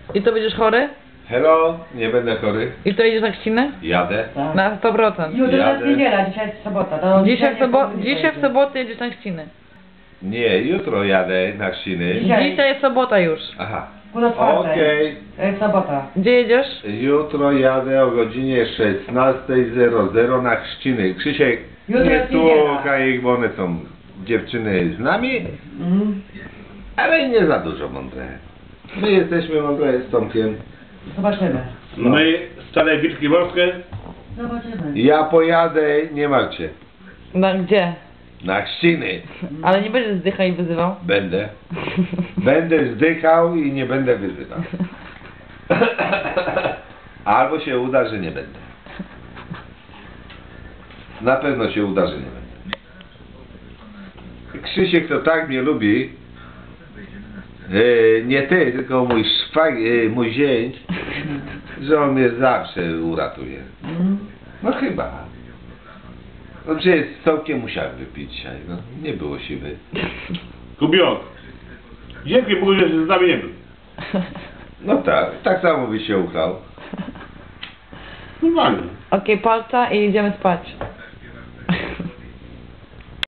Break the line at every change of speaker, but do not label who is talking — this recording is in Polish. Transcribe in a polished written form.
I to będziesz chory?
Hello, nie będę chory.
I to jedziesz na chrzcinę?
Jadę.
Tak.
Na 100%.
Jutro jest
Jadę.
niedziela, dzisiaj jest sobota. To
Dzisiaj w sobotę jedziesz na chrzcinę.
Nie, jutro jadę na chrzciny.
Dzisiaj.
Dzisiaj jest sobota już.
Aha.
Pół czwartej.
Okej.
To jest sobota.
Gdzie jedziesz?
Jutro jadę o godzinie 16:00 na chrzciny. Krzysiek,
Jutro
nie
jest niedziela.
słuchaj ich, bo one są dziewczyny z nami,
Mhm.
ale nie za dużo mądre. My jesteśmy mądre z Tomkiem.
Zobaczymy.
My, stare wilki morskie,
Zobaczymy.
Ja pojadę, nie martwcie,
Gdzie?
na chrzciny.
Ale nie będziesz zdychał i wyzywał?
Będę. Będę zdychał i nie będę wyzywał. Albo się uda, że nie będę. Na pewno się uda, że nie będę. Krzysiek to tak mnie lubi. Nie ty, tylko mój zięć, że on mnie zawsze uratuje.
Mhm.
No chyba. No przecież z Tomkiem musiałem wypić dzisiaj, no. Nie było siły.
Kubiok. Dzięki Bogu, że z nami nie był.
No tak samo byś się uchlał.
Normalnie.
Okej, palca i idziemy spać.